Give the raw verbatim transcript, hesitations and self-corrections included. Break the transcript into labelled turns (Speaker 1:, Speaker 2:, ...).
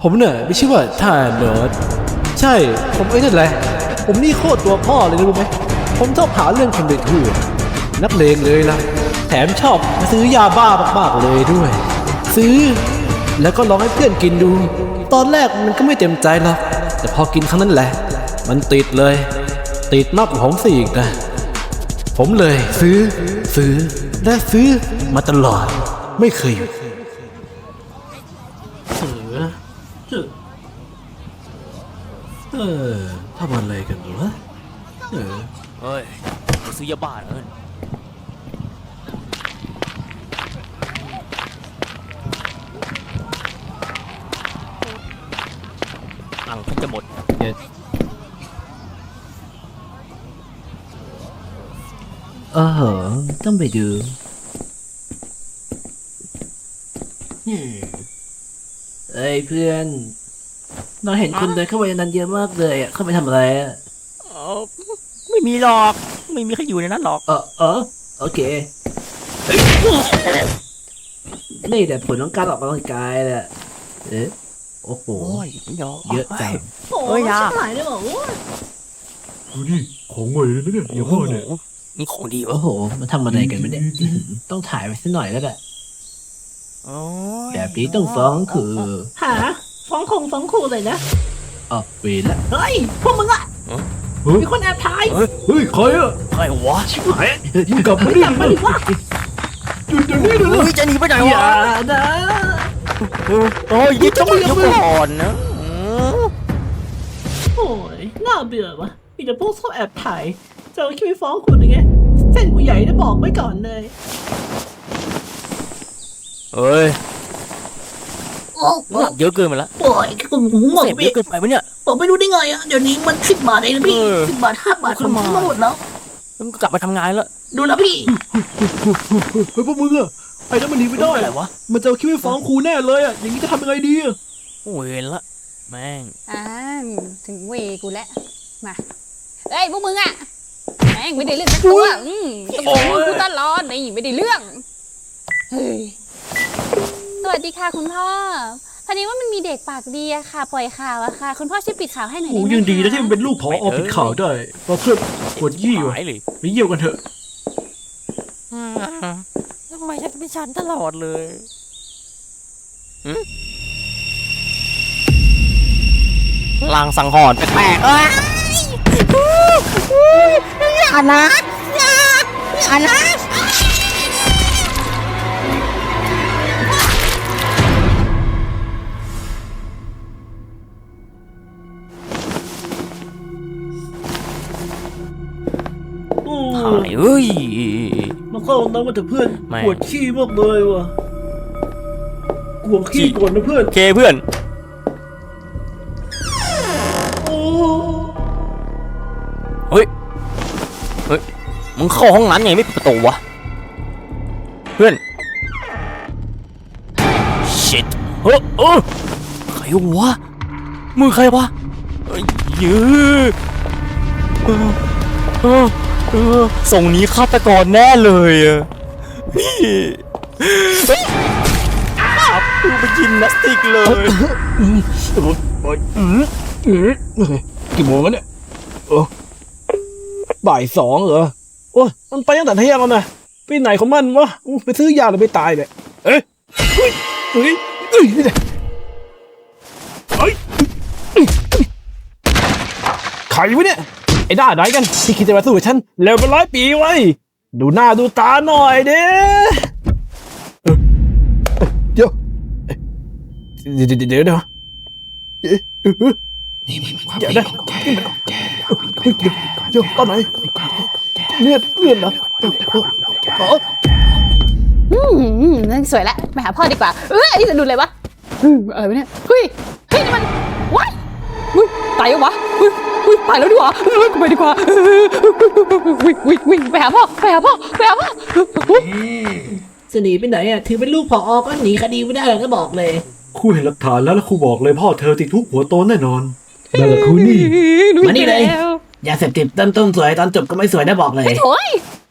Speaker 1: ผมเนี่ยไม่ชื่อว่าท่าเนิร์ดใช่ผมไอ้นั่นแหละผมนี่โคตรตัวพ่อเลยนะรู้ไหมผมชอบหาเรื่องคนเด็กทั่วนักเลงเลยล่ะแถมชอบซื้อยาบ้ามากๆเลยด้วยซื้อแล้วก็ลองให้เพื่อนกินดูตอนแรกมันก็ไม่เต็มใจหรอกแต่พอกินครั้งนั้นแหละมันติดเลยติดมากกว่าผมสิอีกนะผมเลยซื้อซื้อและซื้อมาตลอดไม่เคยหยุดเออเออทำอะไรกันวะเออ
Speaker 2: เฮ้ยไปซื้อยาบ้าเอิญตังค์เพิ่งจะหมด
Speaker 1: เออต้องไปดูเอ้ยเพื่อนเราเห็นคนเดินเข้าไปในนั้นเยอะมากเลยอ่ะเข้าไปทำอะไรอ่ะ
Speaker 2: อ๋อไม่มีหรอกไม่มีใครอยู่ในนั้นหรอก
Speaker 1: เออเออโอเคนี่แต่ผลของการออกกำลังกายแหละเอ๊ะโอ้โหเยอะจัง
Speaker 3: โอ้ยชิบหายเลยเหรอ
Speaker 4: ดูดิของใหม่เลยนะเนี่ยอย่าว่าเนี่ย
Speaker 2: นี่ของดีวะ
Speaker 1: โอ้โหมันทำอะไรกันไม่ได้ต้องถ่ายไปสักหน่อยแล้วแหละแบบนี้ต้องฟ้องคือ
Speaker 3: หาฟ้องคงฟ้องครูเลยนะ
Speaker 1: อ๋อเวรละ
Speaker 3: เฮ้ยพวกมึงอะมีคนแอบถ่าย
Speaker 4: เฮ้ยใครอะ
Speaker 2: ใครวะ
Speaker 1: ชิบหาย
Speaker 4: มึงกลับมาดิ
Speaker 3: กลับมาดิวะ
Speaker 4: หยุดเดี๋ยวนี้เลย
Speaker 2: เฮ้ยจะหนีไปไหนวะ
Speaker 3: นะ
Speaker 2: โอ้ยยิ่งต้องยกก่อนนะ
Speaker 3: โอ้ยน่าเบื่อวะมีแต่พวกชอบแอบถ่ายจะเอาคิดไปฟ้องคุณยังไงเส้นกูใหญ่ได้บอกไว้ก่อนเลย
Speaker 2: เฮ้ยเยอะเกินไปแล้ว
Speaker 3: โอ้ยคุณหูหมด
Speaker 2: เยอะเกินไปไหมเนี่ย
Speaker 3: ผมไม่รู้ได้ไงอ่ะเดี๋ยวนี้มันสิบบาทเองนะพี่สิบบาทห้าบาทผมทั้งหมดแล้ว
Speaker 2: ต้องกลับมาทำงานแล้ว
Speaker 3: ดูนะพี่
Speaker 4: เฮ้ยพวกมึงอะไอ้นั่นมันหนีไม่ได้
Speaker 2: อะไรวะ
Speaker 4: มันจะคิดไปฟ้องครูแน่เลยอะอย่างนี้จะทำยังไงดีอะ
Speaker 2: โอ้ยละแม่ง
Speaker 5: อ่าถึงเวกูแล้วมาเอ้ยพวกมึงอะแม่งไม่ได้เรื่องสักตัวอืมต้องมึงกูตลอดนี่ไม่ได้เรื่องเฮ้ยสวัสดีค่ะคุณพ่อพอดีว่ามันมีเด็กปากดีอะค่ะปล่อยข่าวอะค่ะคุณพ่อช่วยปิดข่าวให้หน่อยได้ไหมคะ
Speaker 4: ยังดีนะที่มันเป็นลูกผอปิดข่าวได้เพราะเพื่อนปวดยี่อยู่ไปเยี่ยวกันเถอะ
Speaker 2: ทำไมฉันเป็นฉันตลอดเลยลางสังหรณ์แปลกๆ
Speaker 5: อย่านะอย่าอย่านะ
Speaker 2: ถ่ายเอ้ย
Speaker 4: มาเข้าห้องน้ำมาเถอะเพื่อนปวดขี้มากเลยว่ะกลัวขี้ก่อนนะเพื่อน
Speaker 2: เคเพื่อนเฮ้ยเฮ้ยมึงเข้าห้องนั้นไงไม่ปิดประตูวะเพื่อน shit เฮ้ยเออใครวะมือใครวะเฮ้ยยื้อเออเออเออส่งนี้ฆาตกรแน่เลยอ่ะพี่อับดูไปยินนัสติกเลย
Speaker 4: กี่โมงแล้วเนี่ยเออบ่ายสองเหรอโอ้ยมันไปตั้งแต่เที่ยงแล้วนะไปไหนของมันวะไปซื้อยาหรือไปตายเนี่ยเอ้ยเฮ้ยเฮ้ยเฮ้ยนี่เฮ้ยใครวะเนี่ยไอ้ด้าไหนกันที่คิดจะมาสู้กับฉันเร็วเป็นร้อยปีไว้ดูหน้าดูตาหน่อยเด้เดี๋ยวเดี๋ยวเดี๋ยวเดี๋ยวเดี๋ยวนี่มันความคิดของแกเดี๋ยวตอนไหนเลือดเลือดเหรอ
Speaker 5: อืมนั่นสวยแล้วไปหาพ่อดีกว่าเอออันนี้จะดูเลยวะอะไรวะเนี่ยเฮ้ยเฮ้ยนี่มันว้ายตายแล้ววะวิ่งไปแล้วดีกว่าไปดีกว่าวิ่งวิ่งวิ่งไปหาพ่อไปหาพ่อไปหาพ่อ
Speaker 3: จะหนีไปไหนอ่ะถือเป็นลูกผอก็หนีคดีไม่ได้หรอกก็บอกเลย
Speaker 4: ครูเห็นหลักฐานแล้วแล้วครูบอกเลยพ่อเธอติดคุกหัวโตแน่นอนนั่นแหละครูนี่
Speaker 3: มานี่เลยอย่าเสพติดต้นต้นสวยตอนจบก็ไม่สวยได้บอกเลย
Speaker 5: โอ้ย